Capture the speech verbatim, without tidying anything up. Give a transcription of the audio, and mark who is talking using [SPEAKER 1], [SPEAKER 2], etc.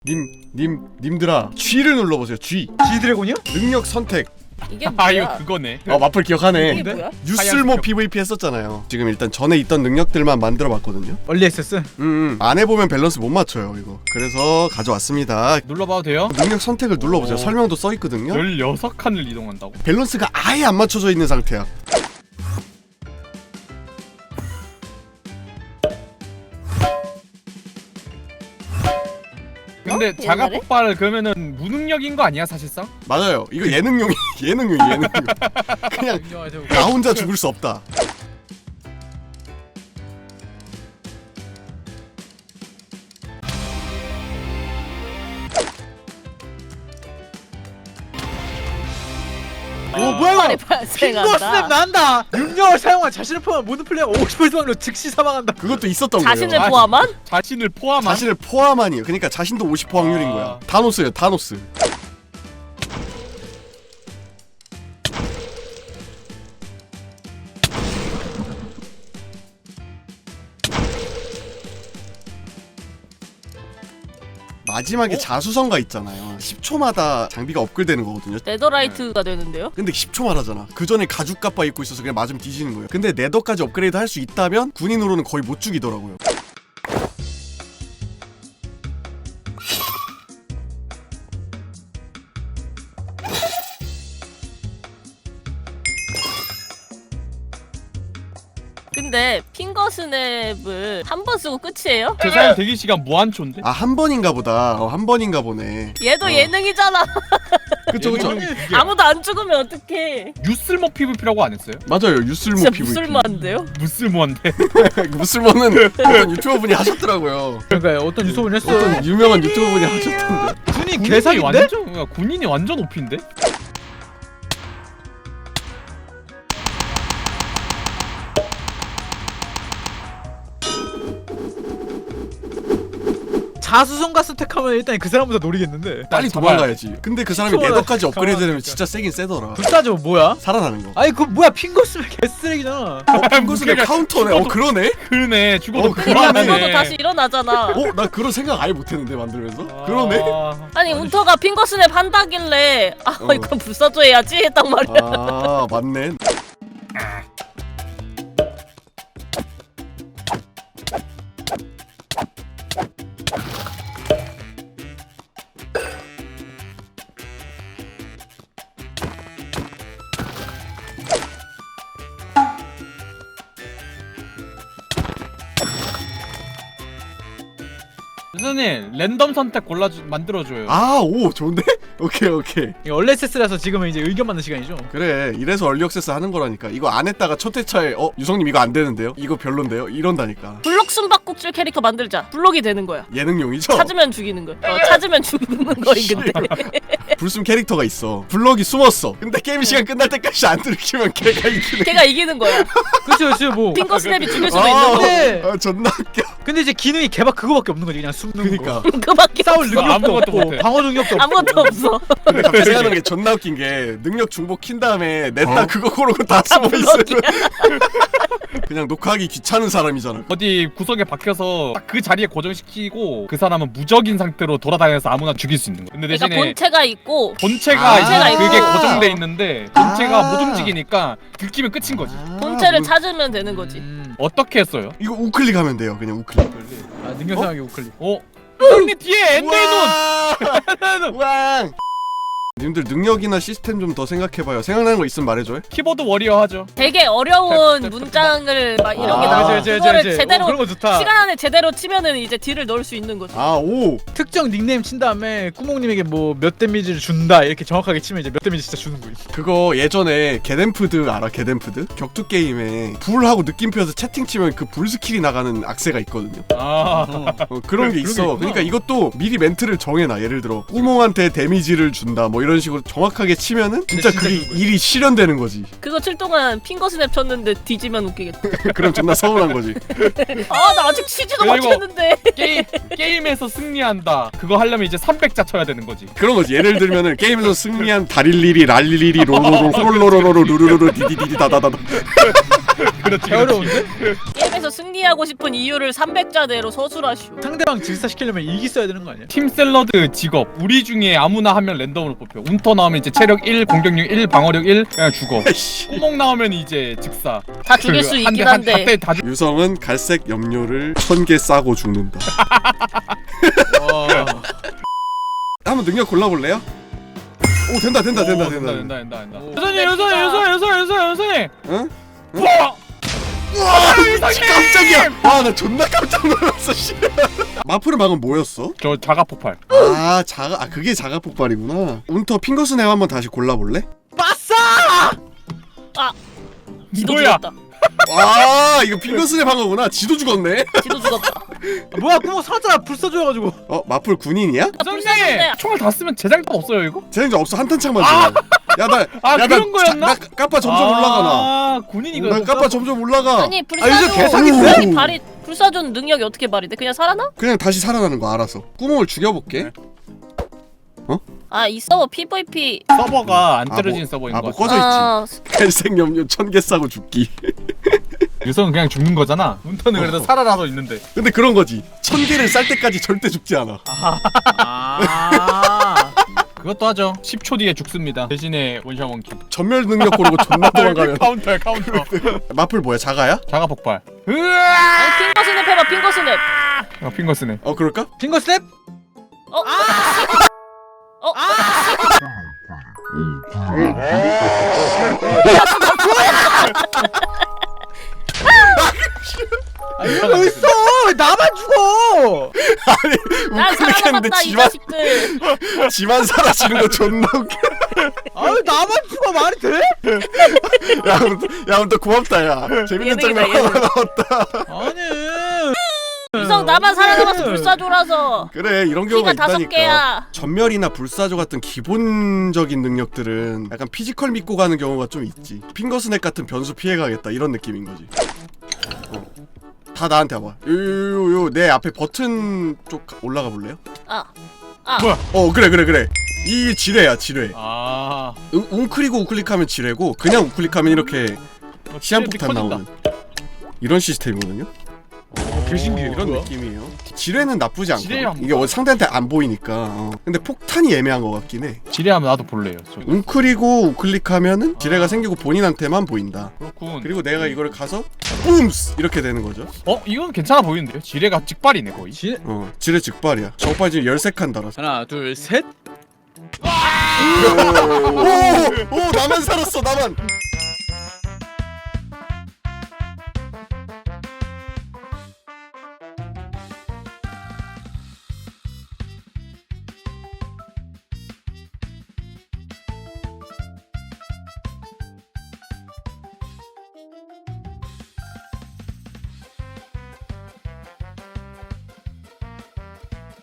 [SPEAKER 1] 님, 님, 님들아 G를 눌러보세요. G.
[SPEAKER 2] G드래곤이요?
[SPEAKER 1] 능력 선택.
[SPEAKER 3] 이게 뭐야?
[SPEAKER 4] 아 이거 그거네.
[SPEAKER 1] 어 마플 기억하네.
[SPEAKER 3] 이게 뭐야?
[SPEAKER 1] 유슬모 피브이피 했었잖아요. 지금 일단 전에 있던 능력들만 만들어봤거든요.
[SPEAKER 2] 얼리 액세스?
[SPEAKER 1] 음, 음. 안에 보면 밸런스 못 맞춰요 이거. 그래서 가져왔습니다.
[SPEAKER 4] 눌러봐도 돼요?
[SPEAKER 1] 능력 선택을 눌러보세요.
[SPEAKER 4] 오.
[SPEAKER 1] 설명도 써있거든요.
[SPEAKER 4] 열여섯 칸을 이동한다고?
[SPEAKER 1] 밸런스가 아예 안 맞춰져 있는 상태야.
[SPEAKER 4] 근데
[SPEAKER 3] 어?
[SPEAKER 4] 자가
[SPEAKER 3] 옛날에?
[SPEAKER 4] 폭발을 그러면은 무능력인 거 아니야 사실상?
[SPEAKER 1] 맞아요. 이거 예능용이 예능용 예능용. 그냥 나 혼자 죽을 수 없다.
[SPEAKER 2] 오 뭐야
[SPEAKER 3] 폭발이
[SPEAKER 2] 이거! 핑거 스냅
[SPEAKER 3] 발생한다.
[SPEAKER 2] 난다! 능력을 사용한 자신을 포함한 모든 플레이어 오십 퍼센트 확률로 즉시 사망한다.
[SPEAKER 1] 그것도 있었던
[SPEAKER 3] 자신을
[SPEAKER 1] 거예요.
[SPEAKER 4] 아,
[SPEAKER 3] 포함한?
[SPEAKER 4] 자신을 포함한?
[SPEAKER 1] 자신을 포함한이에요. 그러니까 자신도 오십 퍼센트 확률인
[SPEAKER 4] 아.
[SPEAKER 1] 거야. 타노스예요, 타노스. 마지막에 자수성가 있잖아요. 십 초마다 장비가 업글되는 거거든요.
[SPEAKER 3] 네더라이트가 되는데요?
[SPEAKER 1] 근데 십 초만 하잖아. 그 전에 가죽 갑바 입고 있어서 그냥 맞으면 뒤지는 거예요. 근데 네더까지 업그레이드 할 수 있다면 군인으로는 거의 못 죽이더라고요.
[SPEAKER 3] 근데 핑거 스냅을 한 번 쓰고 끝이에요?
[SPEAKER 4] 재사용 대기 시간 무한초인데?
[SPEAKER 1] 아, 한 번인가 보다. 어, 한 번인가 보네.
[SPEAKER 3] 얘도
[SPEAKER 1] 어.
[SPEAKER 3] 예능이잖아.
[SPEAKER 1] 그쵸, 그쵸.
[SPEAKER 4] 예능이 이게
[SPEAKER 3] 아무도 안 죽으면 어떡해.
[SPEAKER 4] 유슬모 피브이피라고 안 했어요?
[SPEAKER 1] 맞아요. 유슬모
[SPEAKER 3] 진짜
[SPEAKER 1] 피브이피.
[SPEAKER 3] 무술만한데요?
[SPEAKER 4] 무슬모한데.
[SPEAKER 1] 무슬모는 어떤 유튜버분이 하셨더라고요.
[SPEAKER 2] 그러니까 어떤 유소분이 했어.
[SPEAKER 1] 어떤 유명한 유튜버분이 하셨던데.
[SPEAKER 2] 군인
[SPEAKER 4] 군인이
[SPEAKER 2] 개사기인데?
[SPEAKER 4] 완전 야, 군인이 완전 오피인데?
[SPEAKER 2] 자수성가 스택하면 일단 그 사람보다 노리겠는데.
[SPEAKER 1] 빨리
[SPEAKER 4] 잡아야
[SPEAKER 1] 도망가야지. 근데 그 사람이
[SPEAKER 2] 십 초마다
[SPEAKER 1] 네더까지 업그레이드 되면
[SPEAKER 2] 가만히
[SPEAKER 1] 진짜 세긴 세더라.
[SPEAKER 2] 불사조 뭐야?
[SPEAKER 1] 살아나는 거.
[SPEAKER 2] 아니 그 뭐야 핑거 스냅 개쓰레기잖아.
[SPEAKER 1] 어, 핑거스의
[SPEAKER 4] 그러니까
[SPEAKER 1] 카운터네. 어,
[SPEAKER 4] 죽어도-
[SPEAKER 1] 그러네?
[SPEAKER 4] 그러네 죽어도
[SPEAKER 1] 어,
[SPEAKER 3] 그러니까
[SPEAKER 1] 그러네.
[SPEAKER 3] 죽어도 다시 일어나잖아.
[SPEAKER 1] 어, 나 그런 생각 아예 못했는데 만들면서. 그러네?
[SPEAKER 4] 아,
[SPEAKER 3] 아니 운터가 핑거 스냅 한다길래 아
[SPEAKER 1] 어.
[SPEAKER 3] 이건 불사조 해야지 했단 말이야.
[SPEAKER 1] 아, 맞네.
[SPEAKER 4] 선생님 랜덤 선택 골라주 만들어줘요.
[SPEAKER 1] 아, 오, 좋은데? 오케이, 오케이.
[SPEAKER 2] 이거 얼리 액세스라서 지금은 이제 의견 받는 시간이죠.
[SPEAKER 1] 그래, 이래서 얼리 액세스 하는 거라니까. 이거 안 했다가 첫 회차에 어, 유성님 이거 안 되는데요? 이거 별론데요? 이런다니까.
[SPEAKER 3] 블록 숨바꼭질 캐릭터 만들자. 블록이 되는 거야.
[SPEAKER 1] 예능용이죠?
[SPEAKER 3] 찾으면 죽이는 거야. 어, 찾으면 죽는 거인 근데.
[SPEAKER 1] 불숨 캐릭터가 있어. 블럭이 숨었어. 근데 게임 시간 끝날 때까지 안 들키면 걔가 이기는.
[SPEAKER 3] 걔가 이기는 거야.
[SPEAKER 2] 그쵸 그쵸 뭐.
[SPEAKER 3] 핑거 스냅이 죽일 수도
[SPEAKER 1] 아,
[SPEAKER 3] 있는 거.
[SPEAKER 2] 네.
[SPEAKER 1] 아, 존나 웃겨.
[SPEAKER 2] 근데 이제 기능이 개박 그거밖에 없는 거지. 그냥 숨는
[SPEAKER 1] 그니까.
[SPEAKER 2] 거.
[SPEAKER 3] 그밖에
[SPEAKER 2] 싸울
[SPEAKER 3] 없어.
[SPEAKER 2] 능력도
[SPEAKER 4] 아무것도
[SPEAKER 2] 없고
[SPEAKER 4] 못해.
[SPEAKER 2] 방어 능력도 없고.
[SPEAKER 3] 아무것도 없어.
[SPEAKER 1] 근데 갑자기 생각나는 게 존나 웃긴 게 능력 중복 킨 다음에 냈다
[SPEAKER 4] 어?
[SPEAKER 1] 그거 고르고 다 숨어 있으면 그냥 녹화하기 귀찮은 사람이잖아.
[SPEAKER 4] 어디 구석에 박혀서 딱 그 자리에 고정시키고 그 사람은 무적인 상태로 돌아다녀서 아무나 죽일 수 있는 거야. 근데
[SPEAKER 3] 그러니까
[SPEAKER 4] 대신에
[SPEAKER 3] 본체가 있고
[SPEAKER 4] 본체가
[SPEAKER 1] 아,
[SPEAKER 4] 이제
[SPEAKER 3] 본체가
[SPEAKER 4] 그게
[SPEAKER 3] 있고.
[SPEAKER 4] 고정돼 있는데 본체가
[SPEAKER 1] 아.
[SPEAKER 4] 못 움직이니까 들키면 끝인 거지.
[SPEAKER 3] 본체를
[SPEAKER 1] 뭐,
[SPEAKER 3] 찾으면 되는 거지.
[SPEAKER 2] 음.
[SPEAKER 4] 어떻게 했어요?
[SPEAKER 1] 이거 우클릭하면 돼요. 그냥 우클릭.
[SPEAKER 2] 아 능력 사용하기 우클릭.
[SPEAKER 4] 어? 형님 뒤에 엔더의
[SPEAKER 1] 우와! 왕! 님들 능력이나 시스템 좀 더 생각해봐요. 생각나는 거 있으면 말해줘요.
[SPEAKER 4] 키보드 워리어 하죠.
[SPEAKER 3] 되게 어려운 문장을 막 이런 게
[SPEAKER 1] 아,
[SPEAKER 3] 나와.
[SPEAKER 2] 이제, 이제,
[SPEAKER 3] 그거를
[SPEAKER 2] 이제.
[SPEAKER 3] 제대로
[SPEAKER 2] 어, 그런 거 좋다.
[SPEAKER 3] 시간 안에 제대로 치면은 이제 딜을 넣을 수 있는 거지.
[SPEAKER 1] 아, 오!
[SPEAKER 2] 특정 닉네임 친 다음에 꾸몽님에게 뭐 몇 데미지를 준다 이렇게 정확하게 치면 이제 몇 데미지 진짜 주는 거지.
[SPEAKER 1] 그거 예전에 게덴푸드 알아? 게덴푸드? 격투 게임에 불하고 느낌표에서 채팅 치면 그 불 스킬이 나가는 악세가 있거든요.
[SPEAKER 4] 아,
[SPEAKER 1] 어, 그런 게
[SPEAKER 2] 그런 게
[SPEAKER 1] 있어.
[SPEAKER 2] 있구나.
[SPEAKER 1] 그러니까 이것도 미리 멘트를 정해놔. 예를 들어 꾸몽한테 데미지를 준다 뭐 이런 이런 식으로 정확하게 치면은 진짜
[SPEAKER 2] 진짜
[SPEAKER 1] 그게
[SPEAKER 2] 그거야.
[SPEAKER 1] 일이 실현되는 거지.
[SPEAKER 3] 그거 칠 동안 핑거 스냅 쳤는데 뒤지면 웃기겠다.
[SPEAKER 1] 그럼 존나 서운한 거지.
[SPEAKER 3] 아 나 아직 치지도
[SPEAKER 4] 그리고-
[SPEAKER 3] 못했는데.
[SPEAKER 4] 게임 게임에서 승리한다. 그거 하려면 이제 삼백자 쳐야 되는 거지.
[SPEAKER 1] 그런 거지. 예를 들면은 게임에서 승리한 다릴리리 랄리리리 로로로 호롤로로로 루루루루 디디디디 다다다다.
[SPEAKER 4] 그렇지.
[SPEAKER 2] 개 어려운데?
[SPEAKER 3] 게임에서 승리하고 싶은 이유를 삼백자대로 서술하시오.
[SPEAKER 2] 상대방 질사시키려면 일기 써야 되는 거 아니야?
[SPEAKER 4] 팀 샐러드 직업 우리 중에 아무나 한 명 랜덤으로 뽑혀. 운터 나오면 이제 체력 일, 공격력 일, 방어력 일 그냥 죽어.
[SPEAKER 1] 아이씨.
[SPEAKER 4] 구멍 나오면 이제 직사.
[SPEAKER 3] 다 죽일 수
[SPEAKER 4] 그
[SPEAKER 3] 있긴
[SPEAKER 4] 한 대, 한
[SPEAKER 3] 한데.
[SPEAKER 4] 대 다 죽.
[SPEAKER 1] 유성은 갈색 염료를 천 개 싸고 죽는다.
[SPEAKER 2] 와.
[SPEAKER 1] 한번 능력 골라볼래요? 오 된다 된다 된다
[SPEAKER 4] 오,
[SPEAKER 1] 된다.
[SPEAKER 4] 된다 된다 된다.
[SPEAKER 2] 오.
[SPEAKER 4] 여선님 여선님 여선님 여선님 여선님 여선님.
[SPEAKER 1] 응? 응?
[SPEAKER 4] 와!
[SPEAKER 1] 와 깜짝이야. 아 나 존나 깜짝 놀랐어. 씨. 마프는 방금 뭐였어?
[SPEAKER 4] 저 자가 폭발.
[SPEAKER 1] 아 자가 아 그게 자가 폭발이구나. 운터 핑거스냅 한번 다시 골라볼래?
[SPEAKER 3] 지도
[SPEAKER 4] 뭐야?
[SPEAKER 3] 죽었다.
[SPEAKER 1] 아 이거 핑거스냅 한 거구나. 지도 죽었네.
[SPEAKER 3] 지도 죽었다.
[SPEAKER 2] 아, 뭐야 구멍 살았잖아. 불 써줘가지고.
[SPEAKER 1] 어 마플 군인이야?
[SPEAKER 4] 여선님
[SPEAKER 3] 불쌍한데.
[SPEAKER 4] 총알 다 쓰면 재장도 없어요 이거?
[SPEAKER 1] 재능자 없어 한 탄창만 줘. 야나
[SPEAKER 4] 아,
[SPEAKER 1] 야,
[SPEAKER 4] 그런
[SPEAKER 1] 나,
[SPEAKER 4] 거였나?
[SPEAKER 1] 나 까빠 점점 올라가나.
[SPEAKER 4] 아 군인이가.
[SPEAKER 1] 나 까빠 점점 올라가.
[SPEAKER 3] 아니
[SPEAKER 2] 아, 요즘
[SPEAKER 3] 불사조
[SPEAKER 2] 개사기
[SPEAKER 3] 능력이 발휘 불사조 능력이 어떻게 발휘돼? 그냥 살아나?
[SPEAKER 1] 그냥 다시 살아나는 거 알아서. 구멍을 죽여볼게.
[SPEAKER 3] 아 이 서버 피브이피.
[SPEAKER 4] 서버가 안
[SPEAKER 1] 아,
[SPEAKER 4] 떨어지는
[SPEAKER 1] 뭐-
[SPEAKER 4] 서버인
[SPEAKER 1] 아,
[SPEAKER 4] 거
[SPEAKER 1] 뭐
[SPEAKER 4] 같아.
[SPEAKER 1] 꺼져 있지.
[SPEAKER 3] 아,
[SPEAKER 1] 갈색 염료 천 개 싸고 죽기.
[SPEAKER 4] 유성은 그냥 죽는 거잖아. 운터는 그래도
[SPEAKER 1] 어.
[SPEAKER 4] 살아나서 있는데.
[SPEAKER 1] 근데 그런 거지. 천 개를 쌀 때까지 절대 죽지 않아.
[SPEAKER 2] 아.
[SPEAKER 4] 그것도 하죠. 십 초 뒤에 죽습니다. 대신에 원샷 원킬.
[SPEAKER 1] 전멸 능력 고르고 존나 도망가면.
[SPEAKER 4] 카운터야 카운터.
[SPEAKER 1] 마플 뭐야 자가야?
[SPEAKER 4] 자가 폭발.
[SPEAKER 3] 아니 핑거 스냅 해봐 핑거 스냅.
[SPEAKER 4] 아 핑거 쓰네.
[SPEAKER 1] 어 그럴까?
[SPEAKER 2] 핑거 스텝?
[SPEAKER 3] 어? 어?
[SPEAKER 2] 아 이거 있어. 나만 죽어.
[SPEAKER 3] 난
[SPEAKER 1] 우클릭했는데
[SPEAKER 3] 살아남았다 이
[SPEAKER 1] 지만
[SPEAKER 3] 자식들.
[SPEAKER 1] 지만 사라지는 거 존나 웃겨.
[SPEAKER 2] 아 나만 죽어 말이 돼?
[SPEAKER 1] 야 아무튼 야 아무튼 고맙다 야. 재밌는
[SPEAKER 3] 예능이다,
[SPEAKER 1] 장면 하나
[SPEAKER 3] 예능.
[SPEAKER 1] 나왔다.
[SPEAKER 2] 아니.
[SPEAKER 3] 유성 나만 살아남아서 불사조라서.
[SPEAKER 1] 그래 이런 경우가
[SPEAKER 3] 키가 다섯
[SPEAKER 1] 있다니까.
[SPEAKER 3] 개야.
[SPEAKER 1] 전멸이나 불사조 같은 기본적인 능력들은 약간 피지컬 믿고 가는 경우가 좀 있지. 핑거스냅 같은 변수 피해가겠다 이런 느낌인 거지. 어. 다 나한테 와봐. 요요요 내 앞에 버튼 쪽 올라가 볼래요?
[SPEAKER 3] 아. 아.
[SPEAKER 4] 뭐야?
[SPEAKER 1] 어 그래 그래 그래. 이 지뢰야 지뢰.
[SPEAKER 4] 아.
[SPEAKER 1] 응, 웅크리고 우클릭하면 지뢰고 그냥 우클릭하면 이렇게 시한폭탄 나오는 이런 시스템이거든요.
[SPEAKER 2] 개 신기해.
[SPEAKER 1] 이런
[SPEAKER 2] 뭐야?
[SPEAKER 1] 느낌이에요. 지뢰는 나쁘지
[SPEAKER 4] 지뢰야,
[SPEAKER 1] 않고 이게 어, 상대한테 안 보이니까. 어. 근데 폭탄이 애매한 것 같긴 해.
[SPEAKER 4] 지뢰하면 나도 볼래요. 저.
[SPEAKER 1] 웅크리고 우클릭하면은 지뢰가 생기고 본인한테만 보인다.
[SPEAKER 4] 그렇군.
[SPEAKER 1] 그리고 내가 이거를 가서 뿜스 이렇게 되는 거죠.
[SPEAKER 4] 어 이건 괜찮아 보이는데요? 지뢰가 찍발이네 거의.
[SPEAKER 2] 지...
[SPEAKER 1] 어 지뢰 즉발이야. 저빨 지금 열세 칸 달았어.
[SPEAKER 2] 하나 둘 셋.
[SPEAKER 1] 오오 나만 살았어 나만.